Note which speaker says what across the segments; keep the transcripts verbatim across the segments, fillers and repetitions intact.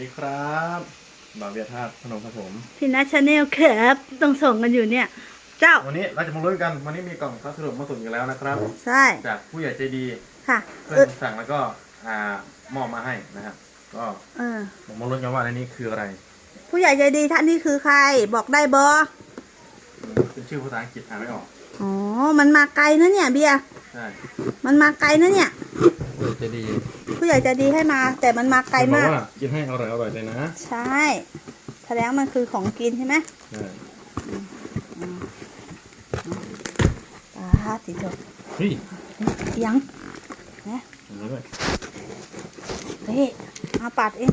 Speaker 1: ดีครับบ่าวเบียร์ธาตุพนมครับผม
Speaker 2: พี่นัทชาแนลครับต้องส่งกันอยู่เนี่ยเจ้า
Speaker 1: วันนี้เราจะมาลุ้นกันวันนี้มีกล่องพัสดุมาส่งอีกแล้วนะครับ
Speaker 2: ใช่
Speaker 1: จากผู้ใหญ่ใจดี
Speaker 2: ค่ะ
Speaker 1: เพื่อนสั่งแล้วก็อ่ามอบมาให้นะครับก็
Speaker 2: เออ
Speaker 1: มาลุ้นกันว่าในนี้คืออะไร
Speaker 2: ผู้ใหญ่ใจดีท่านนี้คือใครบอกได้บอ
Speaker 1: เป็นชื่อภาษาอังกฤษอ่านไม่ออก
Speaker 2: อ๋อมันมาไกลนะเนี่ยเบียร์
Speaker 1: ใช่
Speaker 2: มันมาไกลนะเนี่ย
Speaker 1: ผู้ใหญ่ใจดี
Speaker 2: ผู้ใหญ่ใจดีให้มาแต่มันมาไกลมาก
Speaker 1: กินให้อร่อยอร่อยเลยนะ
Speaker 2: ใช่แสดงมันคือของกินใช่ไหม
Speaker 1: ใช่
Speaker 2: ปลาติดตัว
Speaker 1: เฮ้ย
Speaker 2: ยังนะนี่เอาปัดเอง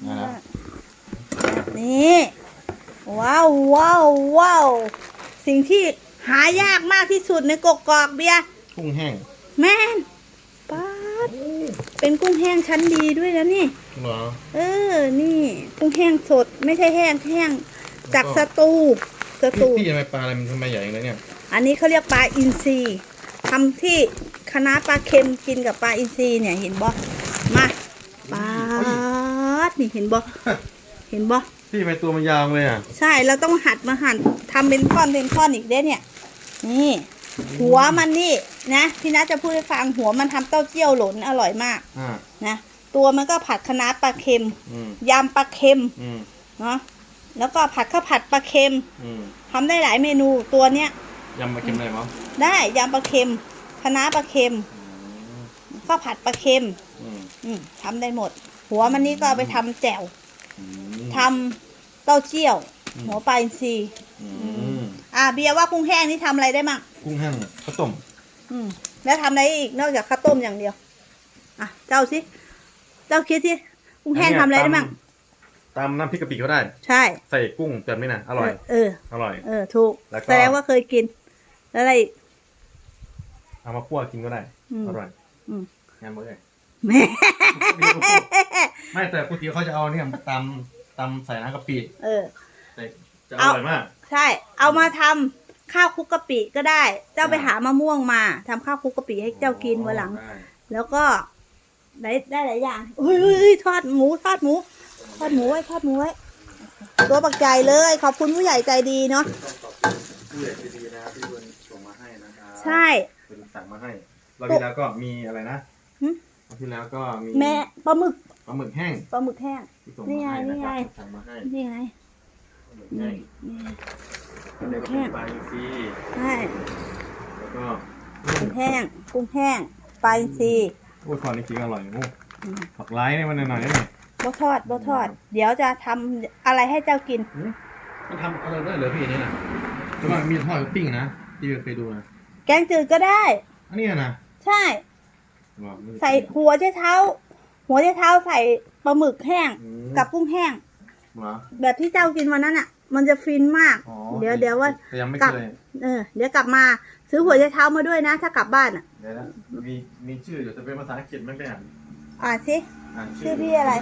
Speaker 2: นี่ว้าวว้าวว้าวสิ่งที่หายากมากที่สุดในกกอกเบียร์
Speaker 1: กุ้งแห้ง
Speaker 2: แม่นป๊าดเป็นกุ้งแห้งชั้นดีด้วยนะนี่
Speaker 1: เหรอ
Speaker 2: เออนี่กุ้งแห้งสดไม่ใช่แห้งแห้งจากสตูสตู
Speaker 1: พี่ทำไมปลาอะไรมันทำไมใหญ่อย่างนี้เนี่ย
Speaker 2: อันนี้เขาเรียกปลาอินทรีทำที่คณะปลาเค็มกินกับปลาอินทรีเนี่ยเห็นบ่มาปลานี่เห็นบ่เห็นบ่
Speaker 1: พี่ทำไมตัวมันยาวเลยอ่ะ
Speaker 2: ใช่เราต้องหัดมาหั่นทำเป็นท่อนเป็นท่อนอีกเด้เนี่ยนี่หัวมันนี่นะพี่นัทจะพูดให้ฟังหัวมันทำเต้าเจี้ยวหลนอร่อยมากนะตัวมันก็ผัดคะน้าปลาเค็มยำปลาเค็มเนาะแล้วก็ผัดข้าวผัดปลาเค็มทำได้หลายเมนูตัวเนี้ย
Speaker 1: ยำปลาเค็มได้มั้ง
Speaker 2: ได้ยำปลาเค็มคะน้าปลาเค็มข้าวผัดปลาเค็มทำได้หมดหัวมันนี่ก็เอาไปทำแจ่วทำเต้าเจี้ยวหัวปลาอินทรีอ่าเบียร์ว่ากุ้งแห้งนี่ทำอะไรได้มั่ง
Speaker 1: กุ้งแห้งข้าวต้ม
Speaker 2: อืมแล้วทำอะไรอีกนอกจากข้าวต้มอย่างเดียวอ่ะเจ้าสิเจ้าคิดสิกุ้งแห้งทำอะไรได้มั่ง
Speaker 1: ตำน้ำพริกกะปิก็ได้
Speaker 2: ใช่
Speaker 1: ใส่กุ้งแบบนี้นะอร่อย
Speaker 2: เออ
Speaker 1: อร่อย
Speaker 2: เออถูกแสดงว่าเคยกินแล้วอะไร
Speaker 1: เอามาคั่วกินก็ได้อร่อยงานมื้อเลยไม่แต่ก๋วยเตี๋ยวเขาจะเอาเนี่ยตำตำใส่น้ำกะปิ
Speaker 2: เออ
Speaker 1: จะอร่อยมาก
Speaker 2: ใช่เอามาทำข้าวคลุกกะปิก็ได้เจ้าไปหามะม่วงมาทำข้าวคลุกกะปิให้เจ้ากินวันหลังแล้วก็ได้ได้หลายอย่างเฮ้ยทอดหมูทอดหมูทอดหมูไว้ทอดหมูไว้ตัวปักใจเลยขอบคุณผู้ใหญ่ใจดีเนาะ
Speaker 1: ผู้ใหญ่ใจดีนะที่คุณส่งมาให้นะครับ
Speaker 2: ใช่
Speaker 1: คุณสั่งมาให้รอบที่แล้วก็มีอะไรนะรอบที่แล้วก็มี
Speaker 2: แม่ปลาหมึก
Speaker 1: ปลาหมึกแห้ง
Speaker 2: ปลาหมึกแห้งนี่ไงนี่ไง
Speaker 1: สั่งมาให้
Speaker 2: นี่ไง
Speaker 1: นี่ปลาหมึกแห้งปลาอินทรี
Speaker 2: ใช่
Speaker 1: แล้วก็
Speaker 2: กุ้งแห้งกุ้งแห้งปลาอินทรี
Speaker 1: โอ้ยทอดนี่กินอร่อยโอ้ผักไร้เนี่ยมันหน่อยๆนี่
Speaker 2: บ่ทอดบ่ทอดเดี๋ยวจะทำอะไรให้เจ้ากิน
Speaker 1: มันทำอะไรได้เหรอพี่นี่นะแต่ว่ามีทอดกับปิ้งนะที่เคยดูนะ
Speaker 2: แกงจืดก็ได้
Speaker 1: อันนี้นะ
Speaker 2: ใช่ใส่หัวเช้เท้าหัวเช้เท้าใส่ปลาหมึกแห้งกับกุ้งแห้งแบบที่เจ้ากินวันนั้นอ่ะมันจะฟินมากเดี๋ยวเดี๋ยวว่ากลับเออเดี๋ยวกลับมาซื้อหัวเช้เท้ามาด้วยนะถ้ากลับบ้านอ่ะ
Speaker 1: เดี๋ยวนะมีมีชื่ออยู่แต่เป็นภาษาอังกฤษไม่ได้อ่าน
Speaker 2: อ่านสิชื่อพี่อะไร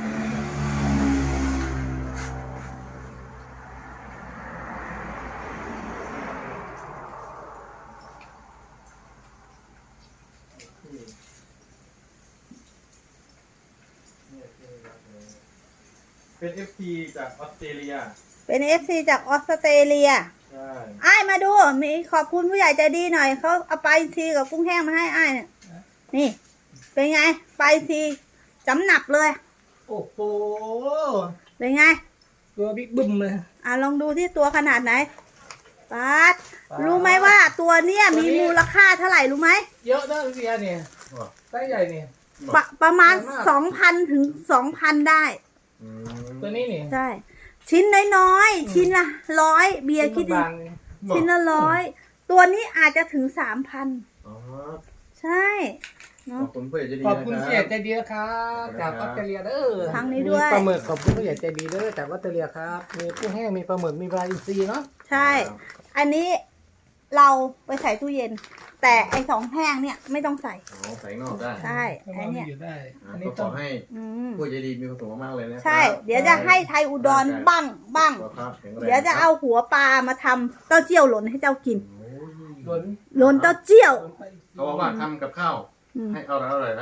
Speaker 1: เป็น เอฟ ซี จากออสเตรเลีย
Speaker 2: เป็น เอฟ ซี จากออสเตรเลีย
Speaker 1: ใช่
Speaker 2: อ้ายมาดูมีขอบคุณผู้ใหญ่ใจดีหน่อยเขาเอาปลาอินทรีกับกุ้งแห้งมาให้อ้ายเนี่ยนี่เป็นไงปลาอินทรีจำหนับเลย
Speaker 3: โอ้โห
Speaker 2: เป็นไง
Speaker 3: ตัวบิ๊กบึ้มเลย
Speaker 2: อ่ะลองดูที่ตัวขนาดไหนปัดรู้ไหมว่าตัวเนี้ยมีมูลค่าเท่าไหร่รู้ไหม
Speaker 3: เยอะนะเสียเนี่ยไซส์ใหญ่เนี่ย
Speaker 2: ปะประมาณสองพันถึงสองพันได้
Speaker 3: ตัวนี้นี่
Speaker 2: ใช่ชิ้นน้อยๆชิ้นละร้อยเบียร์คิดดิชิ้นละร้อยตัวนี้อาจจะถึงสามพันใช่
Speaker 1: ขอบคุณผู้ใหญ่ใจดี
Speaker 3: ขอบคุณผู้ใหญ่ใจดีนะครับจากออสเตรเลียเด้อ
Speaker 2: ทางนี้ด้วย
Speaker 3: ปลาหมึกขอบคุณผู้ใหญ่ใจดีเด้อจากออสเตรเลียครับมีกุ้งแห้งมีปลาหมึกมีปลาอินทรีเนาะ
Speaker 2: ใช่อันนี้เราไปใส่ตู้เย็นแต่ไอ้สองแห้งเนี่ยไม่ต้องใส่
Speaker 1: ใส่นอกได้
Speaker 2: ใช่ไอ้เนี่ย
Speaker 1: อันนี้ขอให้ผู้ใหญ่ดีมีความสุขมากเลยนะ
Speaker 2: ใช่เดี๋ยวจะให้ไทยอุดรบ้างบ้างเดี๋ยวจะเอาหัวปลามาทำเต้าเจี้ยวหล่นให้เจ้ากินหล่นเต้าเจี้ยว
Speaker 1: เขาบอกว่าทำกับข้าวให้อร่อยอร่อยแล้วละ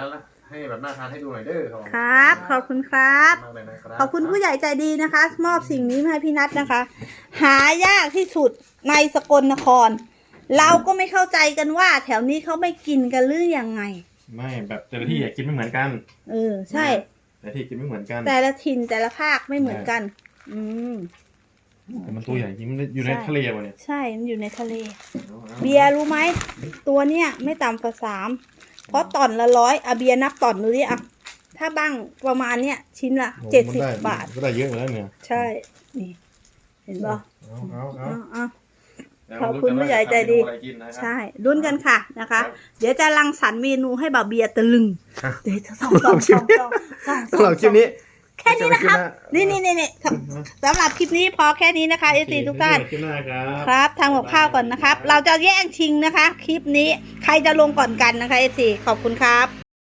Speaker 1: ให้แบบน่าทานให้ดูหน่อยเด้อครับ
Speaker 2: ครับ ขอบคุณครับ
Speaker 1: มากเลยนะครับ
Speaker 2: ขอบคุณผู้ใหญ่ใจดีนะคะ มอบสิ่งนี้มาให้พี่นัทนะคะ หายากที่สุดในสกลนคร เราก็ไม่เข้าใจกันว่า แถวนี้เขาไม่กินกันหรือยังไง
Speaker 1: ไม่แบบแต่ละที่อยากกินไม่เหมือนกัน
Speaker 2: เออใช่
Speaker 1: แต่ละที่กินไม่เหมือนกัน
Speaker 2: แต่ละถิ่นแต่ละภาคไม่เหมือนกัน อืม
Speaker 1: แต่มันตัวใหญ่จริงมันอยู่ใน
Speaker 2: ใช่
Speaker 1: ทะเลวะเนี่ย
Speaker 2: ใช่มันอยู่ในทะเล
Speaker 1: อาอา
Speaker 2: เบียร์รู้ไหมตัวเนี้ยไม่ต่ำกว่าสามเพราะต่อนละร้อยอะเบียร์นับต่อนดูดิอะถ้าบ้างประมาณเนี้ยชิ้นละ
Speaker 1: โอ้
Speaker 2: เจ็ด
Speaker 1: มัน
Speaker 2: สิบ
Speaker 1: ไ
Speaker 2: บาท
Speaker 1: ก็ได้เยอะเหมือนกันเนี่ย
Speaker 2: ใช่นี่เห็นป่ะ
Speaker 1: เอาเอาเอา
Speaker 2: เอาเอา
Speaker 1: เดี๋ยว
Speaker 2: ขอบคุณผู้ใหญ่ใจดี
Speaker 1: ทำเมนูอะไรกินนะครับ
Speaker 2: ใช่รุ่นกันค่ะนะคะ
Speaker 1: ครับ
Speaker 2: เดี๋ยวจะรังสรรค์เมนูให้บ่าวเบียร์ตะลึง
Speaker 1: ครับ
Speaker 2: เดี๋ยวจะส่องส่องส่องส่องส่อง
Speaker 1: สำหรับคลิปนี้
Speaker 2: แค่นี้นะครับ นี่นี่นี่นี่สำหรับคลิปนี้พอแค่นี้นะคะเอซีทุกท่าน
Speaker 1: คลิปหน้าครับ
Speaker 2: ครับทำกับข้าวก่อนนะครับ เราจะแย่งชิงนะคะ คลิปนี้ใครจะลงก่อนกันนะคะเอซีขอบคุณครับ